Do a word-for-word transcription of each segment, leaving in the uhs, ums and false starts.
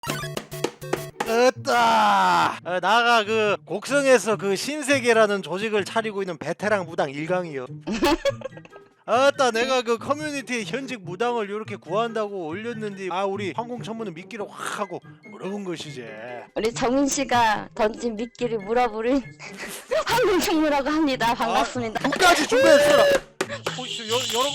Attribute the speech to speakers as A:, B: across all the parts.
A: 으따! 아, 나가 그 곡성에서 그 신세계라는 조직을 차리고 있는 베테랑 무당 일강이요. 아따, 내가 그 커뮤니티에 현직 무당을 이렇게 구한다고 올렸는데 아 우리 항공천문을 미끼로 확 하고 물어본 것이지.
B: 우리 정민 씨가 던진 미끼를 물어보는 황금총무라고 합니다. 반갑습니다.
A: 아, 끝까지 준비했어라. 보시오, 여, 여러분.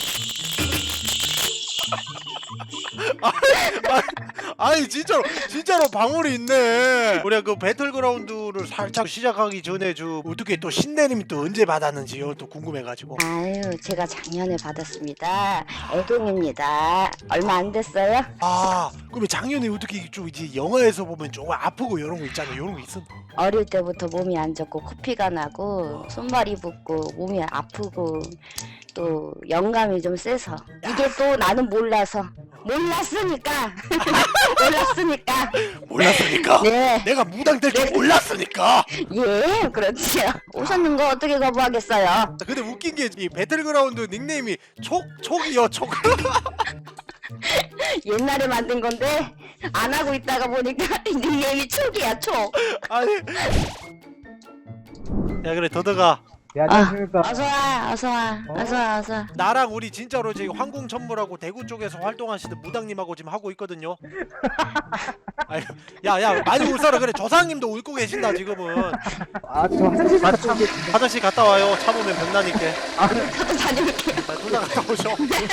A: 아, 아, 아니 진짜로 진짜로 방울이 있네. 우리가 그 배틀그라운드를 살짝 시작하기 전에 저 어떻게 또 신내림이 또 언제 받았는지요 또 궁금해가지고.
B: 아유, 제가 작년에 받았습니다. 애동입니다. 얼마 안 됐어요?
A: 아 그러면 작년에 어떻게 좀 이제 영화에서 보면 좀 아프고 이런 거 있잖아요. 이런 거 있었나?
B: 어릴 때부터 몸이 안 좋고 코피가 나고 손발이 붓고 몸이 아프고 또 영감이 좀 세서 이게 또 나는 몰라서 몰랐으니까 몰랐으니까
A: 몰랐으니까.
B: 네.
A: 내가 무당 될 줄 몰랐으니까.
B: 예, 그렇지요. 오셨는 거 어떻게 거부하겠어요?
A: 근데 웃긴 게 이 배틀그라운드 닉네임이 촉 촉이요 촉.
B: 옛날에 만든 건데 안 하고 있다가 보니까 닉네임이 촉이야, 촉.
A: 아니. 야 그래 더더가.
C: 네, 안녕하십니까.
B: 어서 와, 어서 와, 어서 와, 어서 와.
A: 나랑 우리 진짜로 지금 항공천물하고 대구 쪽에서 활동하시는 무당님하고 지금 하고 있거든요. 아유, 야야 많이 울사라 그래. 조상님도 울고 계신다 지금은.
C: 아, 저 화장실
A: 아,
C: 갔다 올게요.
A: 화장실 갔다 와요. 참으면 병나니까.
B: 저도 다녀올게요.
A: 둘 다 갔다 오셔.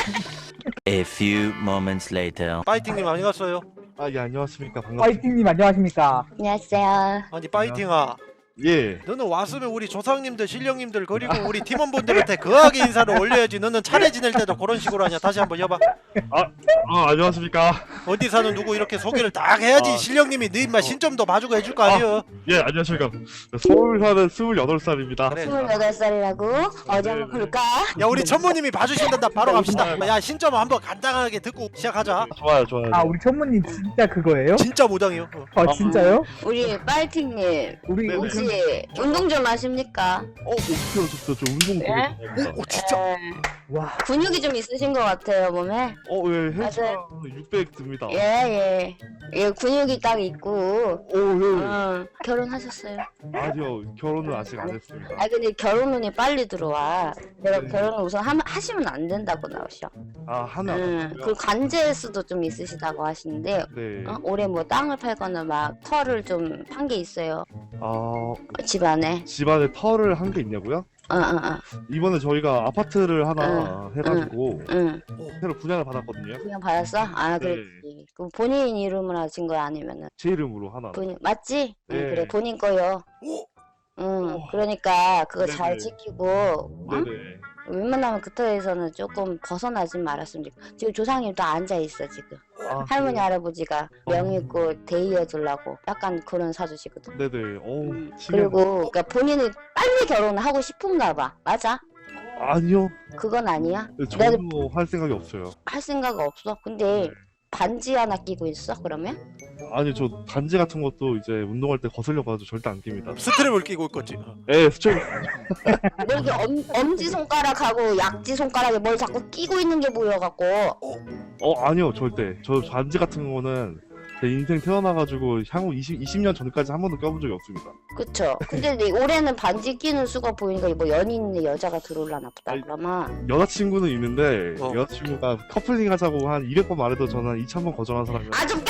D: A few moments later.
A: 파이팅님 아니 갔어요?
E: 아, 예, 안녕하십니까. 반갑습니다.
C: 파이팅님 안녕하십니까.
B: 안녕하세요.
A: 아니 파이팅아.
E: 예.
A: 너는 왔으면 우리 조상님들 신령님들 그리고 우리 팀원분들한테 거하게 인사를 올려야지. 너는 차례 지낼 때도 그런 식으로 하냐. 다시 한번 해봐.
E: 아, 안녕하십니까.
A: 어디 사는 누구 이렇게 소개를 딱 해야지.
E: 아.
A: 신령님이 너 인마 신점도 봐주고 해줄 거 아니여.
E: 예, 안녕하십니까. 서울 사는 스물여덟 살입니다.
A: 그래.
B: 스물여덟 살이라고? 어디 한번 볼까?
A: 야 우리 천모님이 봐주신단다. 바로 갑시다. 야 신점 한번 간단하게 듣고 시작하자.
E: 좋아요, 좋아요.
C: 아, 우리 천무님 진짜 그거예요?
A: 진짜 무당이요. 어.
C: 아, 진짜요?
B: 우리 파이팅님
C: 우리
E: 네네.
B: 혹시 운동 좀 하십니까?
E: 어, 옥수요, 저, 저, 저 운동 되게
B: 네?
E: 좋아합니다.
A: 오 진짜.
B: 에,
C: 와,
B: 근육이 좀 있으신 것 같아요 몸에.
E: 어, 예, 헬스가
B: 맞아요.
E: 육백 듭니다.
B: 예예. 예, 근육이 딱 있고.
E: 오, 예.
B: 어, 결혼하셨어요?
E: 아니요, 결혼은 아직 안 했습니다.
B: 아 근데 결혼운이 빨리 들어와. 내가
E: 네.
B: 결혼을 우선 하, 하시면 안 된다고 나오셔.
E: 아, 하나.
B: 응. 그리고 관제 수도 좀 있으시다고 하시는데
E: 네.
B: 어? 올해 뭐 땅을 팔거나 막 터를 좀 판 게 있어요
E: 아,
B: 집안에.
E: 집안에 터를 한 게 있냐고요?
B: 어어어.
E: 이번에 저희가 아파트를 하나 해가지고
B: 응.
E: 새로 분양을 받았거든요.
B: 그냥 받았어? 아
E: 네.
B: 그렇지. 그럼 본인 이름으로 하신 거야 아니면은
E: 제 이름으로 하나.
B: 본인 맞지? 응,
E: 네.
B: 그래 본인 거요.
A: 오.
B: 응.
E: 오.
B: 그러니까 그거 잘
E: 네네.
B: 지키고. 응?
E: 네네.
B: 웬만하면 그 터에서는 조금 벗어나진 말았으면 좋겠어. 지금 조상님 또 앉아 있어 지금.
E: 아,
B: 할머니
E: 그래요?
B: 할아버지가 명의고 대의해 주려고 약간 그런 사주시거든.
E: 네네. 어우,
B: 음,
E: 신기하다.
B: 그리고 그러니까 본인이 빨리 결혼을 하고 싶은가 봐. 맞아?
E: 아니요.
B: 그건 아니야?
E: 네,
B: 내가
E: 전혀 할 생각이 없어요.
B: 할 생각 없어. 근데 반지 하나 끼고 있어 그러면?
E: 아니, 저 반지 같은 것도 이제 운동할 때 거슬려가지고 절대 안 낍니다.
A: 스트랩을 끼고 있겠지.
E: 예, 수첩.
B: 뭐 이렇게 엄, 엄지 손가락하고 약지 손가락에 뭘 자꾸 끼고 있는 게 보여갖고.
E: 어, 아니요, 절대. 저 반지 같은 거는 제 인생 태어나가지고 향후 이십, 이십 년 전까지 한 번도 껴본 적이 없습니다.
B: 그쵸? 근데 내 올해는 반지 끼는 수가 보이니까 뭐 연인의 여자가 들어올라나 보다
E: 아이,
B: 그러면.
E: 여자친구는 있는데
A: 어.
E: 여자친구가 커플링 하자고 한 이백 번 말해도 저는 한 이천 번 거절한 사람이에요.
B: 아 좀 까!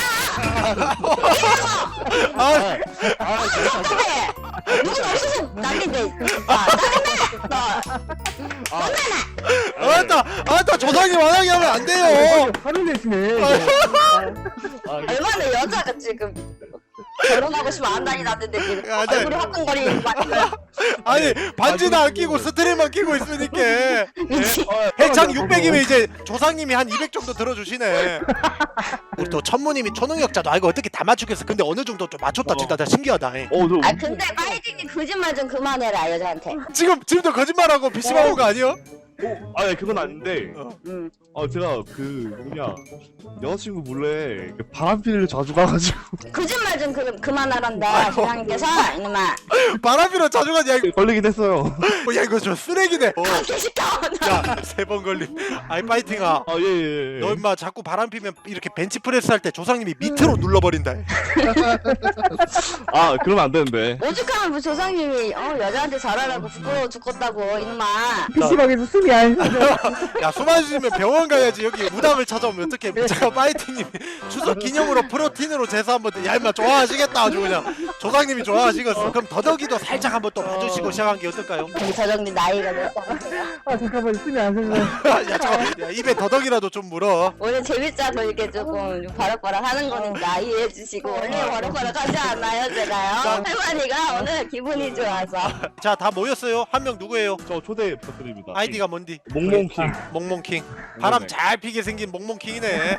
A: 아,
E: 아,
B: 그래! 누군 없어서 난리인데. 아, 짜증나! 너.
A: 아따, 아따 조상님 만하게 하면 안 돼요.
C: 화를 내시네.
E: 아,
B: 얼마나 여자가 지금 결혼하고 싶으면 안 다니놨는데 지금
A: 야, 나-
B: 얼굴이 화끈거리는 거 아니야?
A: 아니 반지도 안 끼고 스트랩만 끼고 있으니까
B: 미치.
A: 해창 육백이면 이제 조상님이 한 이백 정도 들어주시네. 우리 또 천모님이 초능력자도 알고 어떻게 다 맞추겠어. 근데 어느 정도 좀 맞췄다. 진짜 나 신기하다. 잉.
E: 어, 저
B: 아 근데 파이팅이 거짓말 좀 그만해라 여자한테.
A: 지금 지금도 거짓말하고 피씨방 온 거 아니요?
E: 아, 네, 그건 아닌데.
B: 응.
E: 어, 제가 그 뭐냐 여자친구 몰래 그 바람피를 자주 가가지고
B: 거짓말 좀 그, 그만하란다 조상님께서 이놈아.
A: 바람피로 자주 가냐 이거.
E: 걸리긴 했어요.
A: 어, 야 이거 저 쓰레기네. 어.
B: 개시켜.
A: 야세 번 걸림. 아이 파이팅아.
E: 아, 예, 예, 예.
A: 너 임마 자꾸 바람 피면 이렇게 벤치프레스 할 때 조상님이 밑으로 눌러버린다.
E: 아, 그러면 안 되는데.
B: 오죽하면 뭐 조상님이 어 여자한테 잘하라고 부끄러워 죽겠다고 이놈아.
C: 피시방에서 숨이 안 쉬어져.
A: 야 숨 안 쉬면 병원 가야지. 여기 무당을 찾아오면 어떡해. 제가 파이팅님 추석 기념으로 프로틴으로 제사 한번. 야 임마 좋아하시겠다 아주 그냥. 조상님이 좋아하시겠어. 그럼 더덕이도 살짝 한번 또 봐주시고 시작한 게 어떨까요?
B: 우리 저정님 나이가 몇 살?
C: 아 잠깐만 숨이 안 쉬어져.
A: 야, 저, 야 입에 더덕이라도 좀 물어.
B: 오늘 재밌자고 이렇게 조금 바락바락 하는 거니까 이해해 주시고 원래 바락바락 하지 않나요 제가요? 할머니가 오늘 기분이 좋아서.
A: 자 다 모였어요. 한 명 누구예요?
E: 저 초대 부탁드립니다.
A: 아이디가 뭔디?
E: 몽몽킹.
A: 몽몽킹. 바람
E: 네.
A: 잘 피게 생긴 몽몽킹이네.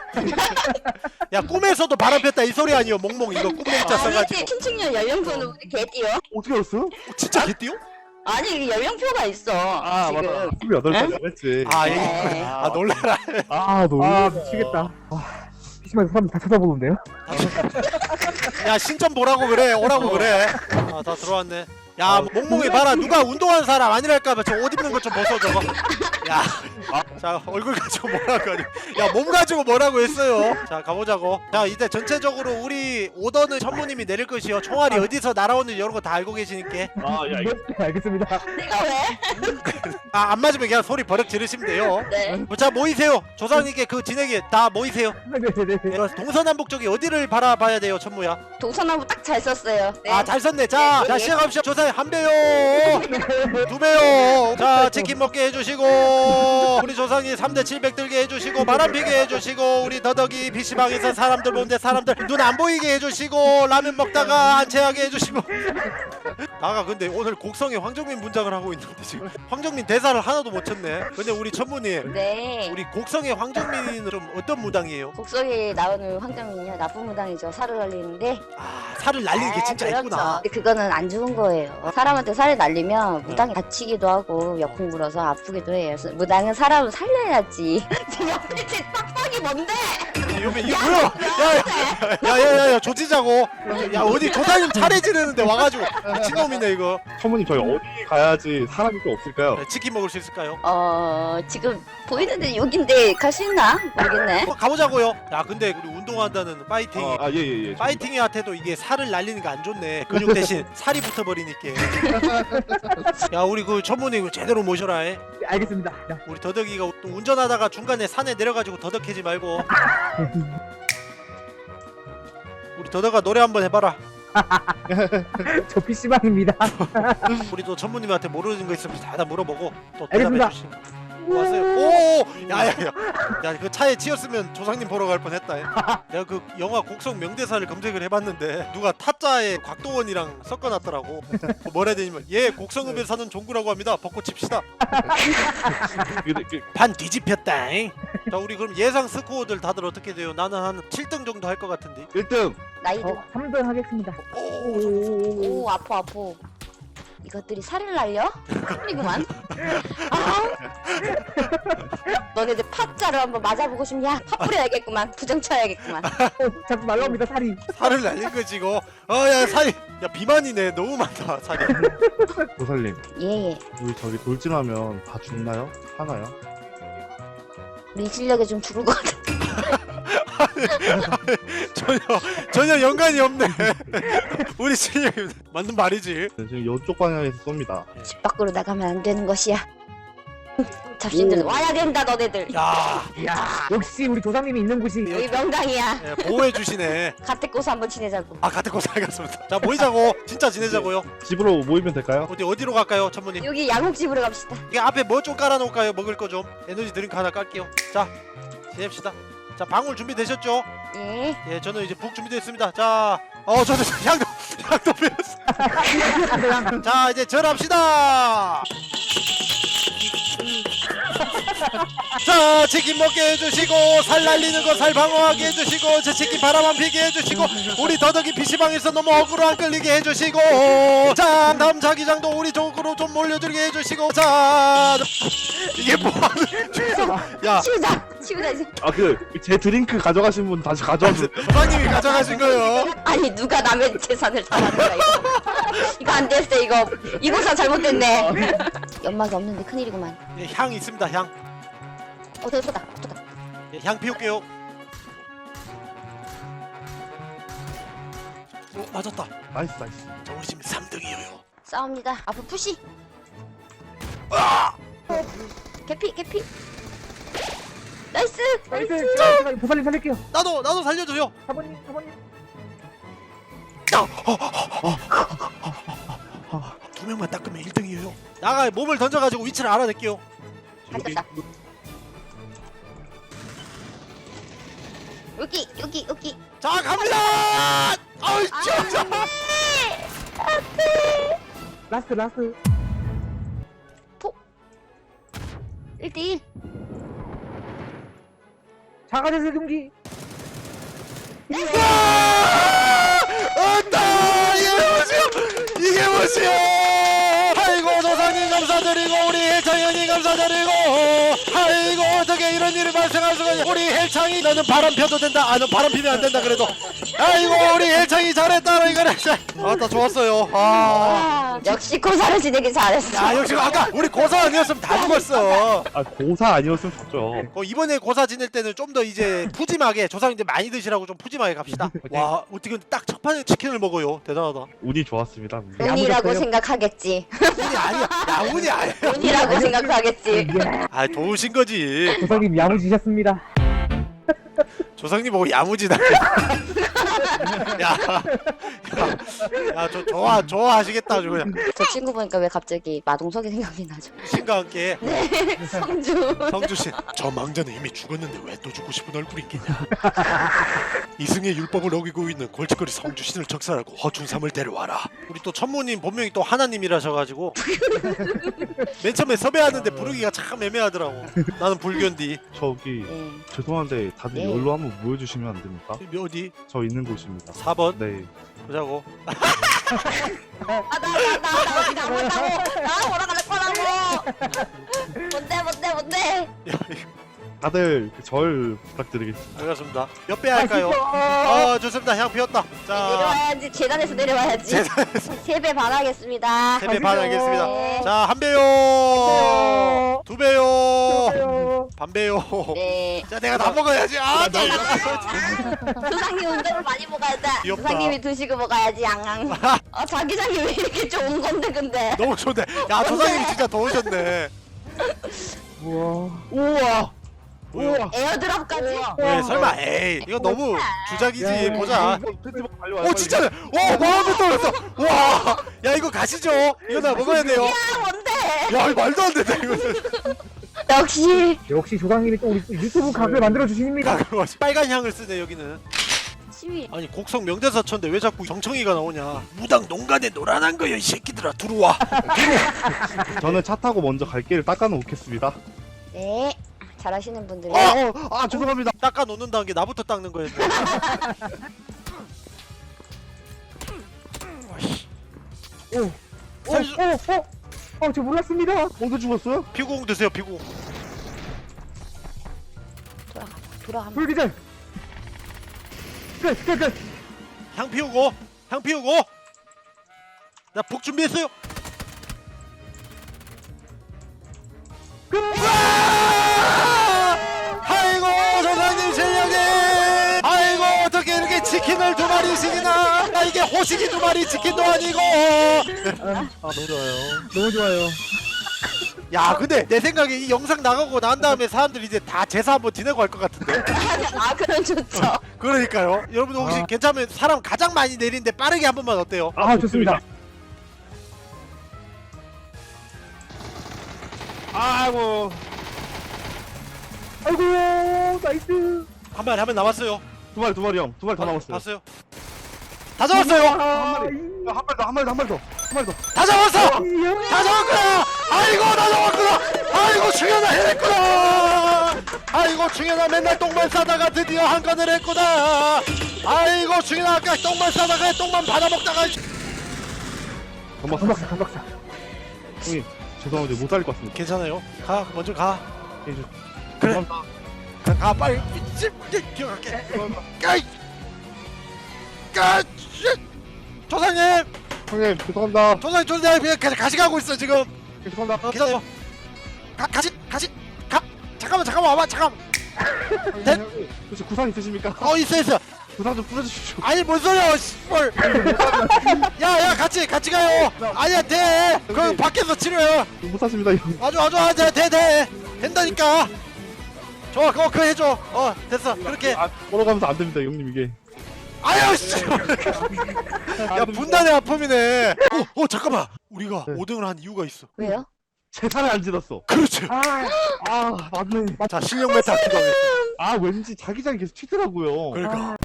A: 야 꿈에서도 바람 폈다 이 소리 아니요? 몽몽 이거 꿈몽자
B: 우리
A: 써가지고.
B: 춘층년 연령표는 우리 개띠요?
E: 어떻게 알았어요?
A: 어, 진짜 개띠요?
B: 아니 이게 연령표가 있어
E: 아,
B: 지금.
E: 맞다. 스물여덟 살이라고 했지.
A: 아
B: 네.
A: 얘기. 아 놀래라.
E: 아, 너무.
C: 아 미치겠다. 아, 피시방에서 사람 다 쳐다보는데요?
A: 야 신점 보라고 그래. 오라고 그래. 아 다 들어왔네. 야 몽몽이 봐라. 누가 운동하는 사람 아니랄까봐 저 옷 입는 것 좀 벗어 저거. 야. 자 얼굴 가지고 뭐라고 하니. 야몸 가지고 뭐라고 했어요. 자 가보자고. 자 이제 전체적으로 우리 오더는 천무님이 내릴 것이요. 총알이 어디서 날아오는지 이런 거 다 알고 계시니까.
E: 아, 야, 이거.
C: 네 알겠습니다.
B: 내가 왜?
A: 아 안 맞으면 그냥 소리 버럭 지르시면 돼요.
B: 네.
A: 자 모이세요. 조상님께 그 진에게 다 모이세요.
C: 네네네.
A: 예, 동서남북 쪽이 어디를 바라봐야 돼요 천무야?
B: 동서나무 딱 잘 썼어요. 네.
A: 아 잘 썼네. 자, 자 시작합시다. 조사님 한 배요, 두 배요. 자 치킨 먹게 해주시고 우리 조상님 삼 대 칠백 들게 해주시고 바람 피게 해주시고 우리 더덕이 피시방에서 사람들 보는데 사람들 눈 안 보이게 해주시고 라면 먹다가 안 체하게 해주시고. 나가 근데 오늘 곡성에 황정민 문장을 하고 있는데 지금 황정민 대사를 하나도 못 쳤네. 근데 우리 천무님
B: 네.
A: 우리 곡성의 황정민은 좀 어떤 무당이에요?
B: 곡성에 나오는 황정민이요 나쁜 무당이죠. 살을 날리는데.
A: 아 살을 날리는 게
B: 아,
A: 진짜
B: 그렇죠.
A: 있구나.
B: 근데 그거는 안 좋은 거예요. 사람한테 살을 날리면 무당이 다치기도 하고 역풍 불어서 아프기도 해요. 그래서 무당은 사람을 살려야지. 지금 옆에 제 빡빡이 뭔데?
A: 이거 이게 뭐야? 야야야야야 조지자고. 야 어디 조상님 차례 지르는데 와가지고 미친놈이네 이거.
E: 천모님, 저희 어디 가야지 사람이 또 없을까요?
A: 네, 치킨 먹을 수 있을까요?
B: 어 지금 보이는데 여긴데 갈 수 있나? 모르겠네.
A: 어, 가보자고요. 야 근데 우리 운동한다는 파이팅.
E: 아, 아, 예, 예, 예.
A: 파이팅이한테도 이게 살을 날리는 게 안 좋네. 근육 대신 살이 붙어버리니까. 야 우리 그 천문이 제대로 모셔라. 해.
C: 네, 알겠습니다. 야,
A: 우리 더덕이가 또 운전하다가 중간에 산에 내려가지고 더덕해지 말고. 우리 더덕아 노래 한번 해봐라.
C: 저 피시방입니다.
A: 우리 또 천무님한테 모르는 거 있으면 다 물어보고 또
C: 알겠습니다.
A: 대답해 주시면. 왔어요. 오, 야야야, 야 그 차에 치였으면 조상님 보러 갈 뻔했다. 내가 그 영화 곡성 명대사를 검색을 해봤는데 누가 타짜에 곽도원이랑 섞어놨더라고. 뭐라 되냐면 얘 곡성읍에 사는 종구라고 합니다. 벗고 칩시다.
E: 근데 그,
A: 반 뒤집혔다. 자 우리 그럼 예상 스코어들 다들 어떻게 돼요? 나는 한 칠 등 정도 할 것 같은데.
E: 일 등.
B: 나이도.
C: 어, 삼 등 하겠습니다.
A: 오,
B: 오 아파 아파. 이것들이 살을 날려? 큰일이구만. 아. 너네들 팥자루 한번 맞아보고 싶냐? 팥 뿌려야겠구만. 부정 쳐야겠구만.
C: 어, 자꾸 날라옵니다 살이.
A: 살을 날린 거지 이거. 어야 살이. 야 비만이네. 너무 많다 살이.
E: 조살님,
B: 예예.
E: 우리 저기 돌진하면 다 죽나요? 하나요?
B: 우리 실력에 좀 죽을 것 같아.
A: 전혀 전혀 연관이 없네. 우리 실력이 맞는 말이지.
E: 네, 지금 이쪽 방향에서 쏩니다.
B: 집 밖으로 나가면 안 되는 것이야. 잡신들 와야 된다 너네들.
A: 야,
C: 이야 역시 우리 조상님이 있는 곳이.
B: 여기 명당이야.
A: 예, 보호해 주시네.
B: 가택고서 한번 지내자고.
A: 아 같은 곳 살겠습니다. 자 모이자고. 진짜 지내자고요.
E: 집으로 모이면 될까요?
A: 어디 어디로 갈까요, 천모님?
B: 여기 양옥집으로 갑시다.
A: 이게 앞에 뭐 좀 깔아놓을까요? 먹을 거 좀. 에너지 드링크 하나 깔게요. 자 지냅시다. 자 방울 준비되셨죠?
B: 예.
A: 예, 저는 이제 북 준비됐습니다. 자, 어 저는 향도 향도 배웠어. 자 이제 절합시다. 자 치킨 먹게 해주시고 살 날리는 거 살 방어하게 해주시고 제 치킨 바람 안 피게 해주시고 우리 더덕이 피시방에서 너무 어그로 안 끌리게 해주시고 자 다음 자기장도 우리 쪽으로 좀 몰려들게 해주시고 자 이게 뭐하는 야
B: 치우자 치우자 이제.
E: 아 그 제 드링크 가져가신 분 다시 가져와주세요.
A: 조상님이 가져가신 거예요.
B: 아니 누가 남의 재산을 탐하는 거야 이거. 이거 안 됐어 이거. 이거사 잘못됐네. 연막이 없는데 큰일이구만.
A: 예, 향 있습니다 향.
B: 어 예쁘다 예쁘다.
A: 예, 향 피울게요. 오 맞았다.
E: 나이스 나이스.
A: 자 우리 지금 삼 등이에요.
B: 싸웁니다. 앞으로 푸시. 개피 개피. 나이스
C: 나이스.
B: 나이스.
C: 제가 보살님 살릴게요.
A: 나도 나도 살려줘요.
C: 사모님 사모님.
A: 두 명만 닦으면 일 등이에요. 나가 몸을 던져가지고 위치를 알아낼게요.
B: 가졌다. 여기 여기 여기.
A: 자 갑니다. 아우 진짜.
C: 라스트 라스트.
B: 일 대 일.
C: 자가제세 금기.
A: 안다 이게 뭐지요? 이게 뭐지요? 아이고 조상님 감사드리고 우리 헬창현이 감사드리고 아이고 어떻게 이런 일이 발생할 수가 있냐. 우리 헬창이 너는 바람 펴도 된다. 아 너 바람 피면 안 된다 그래도. 아이고 우리 헬창이 잘했다 이거는. 아따 좋았어요. 아.
B: 역시 고사를 지내기 잘했어.
A: 야 역시 아까 우리 고사 아니었으면 다 죽었어.
E: 아 고사 아니었으면 좋죠.
A: 어, 이번에 고사 지낼 때는 좀 더 이제 푸짐하게 조상님들 많이 드시라고 좀 푸짐하게 갑시다. 와 어떻게 딱 첫 판에 치킨을 먹어요. 대단하다.
E: 운이 좋았습니다. 운이.
B: 운이라고
C: 야무졌어요.
B: 생각하겠지.
A: 운이 아니야. 야 운이 아니야.
B: 운이라고 생각하겠지.
C: 예.
A: 아 좋으신 거지.
C: 조상님 야무지셨습니다.
A: 조상님 보고 야무지다. 야, 야, 야, 저 좋아 좋아하시겠다 아주 그냥.
B: 저 친구 보니까 왜 갑자기 마동석이 생각이 나죠?
A: 신과 함께
B: 성주.
A: 성주 씨. 저 망자는 이미 죽었는데 왜 또 죽고 싶은 얼굴이겠냐. 이승의 율법을 어기고 있는 골칫거리 성주 신을 적살하고 허춘삼을 데려와라. 우리 또 천모님 본명이 또 하나님이라셔가지고 맨 처음에 섭외하는데 부르기가 참 애매하더라고. 나는 불견디.
E: 저기
B: 네.
E: 죄송한데 다들
B: 네.
E: 여기로 한번 모여주시면 안 됩니까?
A: 어디?
E: 저 있는 곳입니다.
A: 사 번
E: 네.
A: 보자고.
B: 아나나나나 어디 가봤다고? 나 돌아갈 거라고. 뭔데 뭔데 뭔데?
A: 야, 이거
E: 다들 그절 부탁드리겠습니다.
A: 알겠습니다. 몇 배 할까요?
C: 아,
A: 아 좋습니다. 향 피웠다. 자
B: 내려와야지 계단에서 내려와야지.
A: 재단에서
B: 세 배 반하겠습니다.
A: 세 배 반하겠습니다.
B: 네.
A: 자 한 배요. 두 배요.
C: 안녕.
A: 반 배요.
B: 네.
A: 자 내가 다 먹어야지. 아 나.
B: 조상님 운동을 많이 먹어야 돼.
A: 귀엽다.
B: 조상님이 드시고 먹어야지 양양. 어 자기장이 왜 이렇게 좋은 건데 근데.
A: 너무 좋네. 야 조상님이 진짜 더우셨네.
C: 우와.
A: 우와.
C: 우와.
B: 에어드랍까지.
A: 왜 설마 에이 이거 너무 주작이지.
C: 야,
A: 보자.
E: 페스티벌 달려와요.
A: 오 진짜네. 와 마음에 떨었어. 와. 야 이거 가시죠. 이거 나 먹어야 돼요.
B: 야 뭔데?
A: 야 이거 말도 안 된다 이거는.
B: 역시
C: 역시 조상님이 또 우리 또 유튜브 각을 만들어 주십니다.
A: 야, 그거 빨간 향을 쓰네 여기는.
B: 시위.
A: 아니 곡성 명대사천데 왜 자꾸 정청이가 나오냐. 무당 농간에 노란한 거야 이 새끼들아 들어와.
E: 저는 차 타고 먼저 갈 길을 닦아놓겠습니다.
B: 네. 잘하시는 분들이.
E: 아, 어, 아 죄송합니다.
A: 닦아 놓는다는 게 나부터 닦는 거였네.
C: 오. 오. 오. 오. 어, 저 몰랐습니다.
E: 어디 죽었어요?
A: 피구공 드세요 피구공.
B: 돌아가. 돌아가.
C: 불기절. 끝, 끝, 끝.
A: 향 피우고 향 피우고. 나 북 준비했어요.
C: 끝.
A: 아이고 조상님 실력이. 아이고 어떻게 이렇게 치킨을 두 마리씩이나. 아, 이게 호식이 두 마리 치킨도 아니고.
C: 아,
E: 너무 좋아요.
C: 너무 좋아요.
A: 야 근데 내 생각에 이 영상 나가고 난 다음에 사람들이 이제 다 제사 한번 지내고 할 것 같은데.
B: 아 그럼 좋죠.
A: 그러니까요. 여러분 혹시
C: 아.
A: 괜찮으면 사람 가장 많이 내리는데 빠르게 한 번만 어때요?
C: 아, 좋습니다.
E: 아이고.
C: 아이고, 나이스.
A: 한 마리 한 마리 남았어요.
E: 두 마리 두 마리 형. 두 마리 더 남았어요.
A: 봤어요? 다 잡았어요.
C: 아,
E: 한 마리 더 한 마리 더 한 마리 더 한 마리 더.
A: 다 잡았어.
C: 이-
A: 다 잡았구나. 아이고 다 잡았구나. 아이고 중현아 해냈구나. 아이고 중현아 맨날 똥만 싸다가 드디어 한 건을 했구나. 아이고 중현아 아까 똥만 싸다가 똥만 받아먹다가.
E: 건박사
C: 건박사 건박사.
E: 형님 죄송한데 못 살릴 것 같습니다.
A: 괜찮아요. 가 먼저 가.
E: 예, 저-
A: 그래.
E: 죄송합니다.
A: 가, 가 빨리. 집 기억할게. 까이. 까. 조상님.
E: 형님 죄송합니다.
A: 조상님 조상님 그냥 가- 가시 가고 있어 지금.
E: 죄송합니다.
A: 기다려. 가 가시 가시 가. 잠깐만 잠깐만 와봐 잠깐.
E: 형님,
A: 네?
E: 형님, 혹시 구상 있으십니까?
A: 어 있어 있어.
E: 구상 좀 뿌려주십시오.
A: 아니 뭔 소리야 씨발. 야야 같이 같이 가요. 아니야 돼. 그 밖에서 치료해.
E: 못 샀습니다. 형.
A: 아주 아주 아주 돼돼 된다니까. 좋아 그거 그 해줘. 어 됐어 그렇게.
E: 아, 걸어가면서 안 됩니다, 형님 이게.
A: 아유 씨. 야 분단의 아픔이네. 어, 어 잠깐만. 우리가
E: 네.
A: 오 등을 한 이유가 있어.
B: 왜요?
E: 재산을 안 지렀어.
A: 그렇지.
C: 아
E: 아 맞네.
A: 자 실력 메타 기도하겠어.
E: 아 왠지 자기장이 계속 튀더라고요.
A: 그러니까.